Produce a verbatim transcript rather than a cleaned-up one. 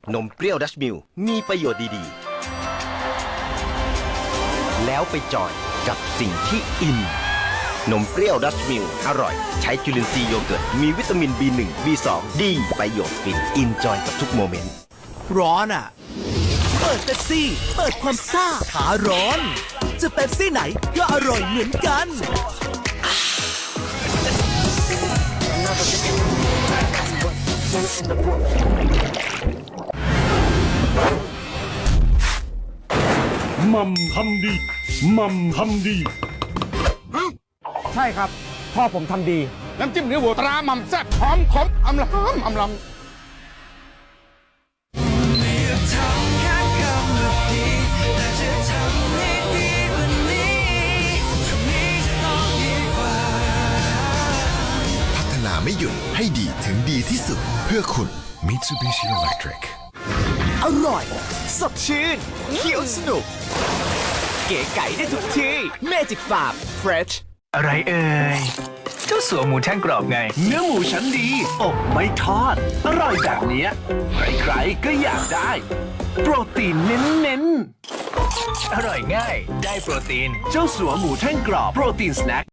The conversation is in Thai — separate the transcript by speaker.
Speaker 1: นมเปรี้ยวดัชมิลมีประโยชน์ดีๆ แล้วไปจอยกับสิ่งที่อิน นมเปรี้ยวดัชมิลอร่อย ใช้จุลินทรีย์โยเกิร์ต มีวิตามิน บี หนึ่ง บี สอง ดี ประโยชน์ฟิน อินจอยกับทุกโมเมนต์
Speaker 2: ร้อนอ่ะ เปิดเป๊ปซี่ เปิดความซ่าหาร้อน จะเป๊ปซี่ไหนก็อร่อยเหมือนกัน
Speaker 3: มัมทำดีมัมทำดี
Speaker 4: ใช่ครับ พ่อผมทำดี
Speaker 5: น้ำจิ้มเนื้อวัวตราหม่ำแซ่บหอมขมอำลำอำลำ
Speaker 6: พัฒนาไม่หยุดให้ดีถึงดีที่สุดเพื่อคุณ Mitsubishi Electric
Speaker 2: อร่อย สดชื่นเคี้ยวสนุก เก๋ไก่ได้ทุกที่ Magic Farm Fresh
Speaker 7: อะไรเอ่ยเจ้าสัวหมูแท่งกรอบไง เนื้อหมูชั้นดีอบไม่ทอด อร่อยแบบเนี้ยใครๆก็อยากได้ โปรตีนเน้นๆ อร่อยง่ายได้โปรตีน เจ้าสัวหมูแท่งกรอบโปรตีนสแน็ค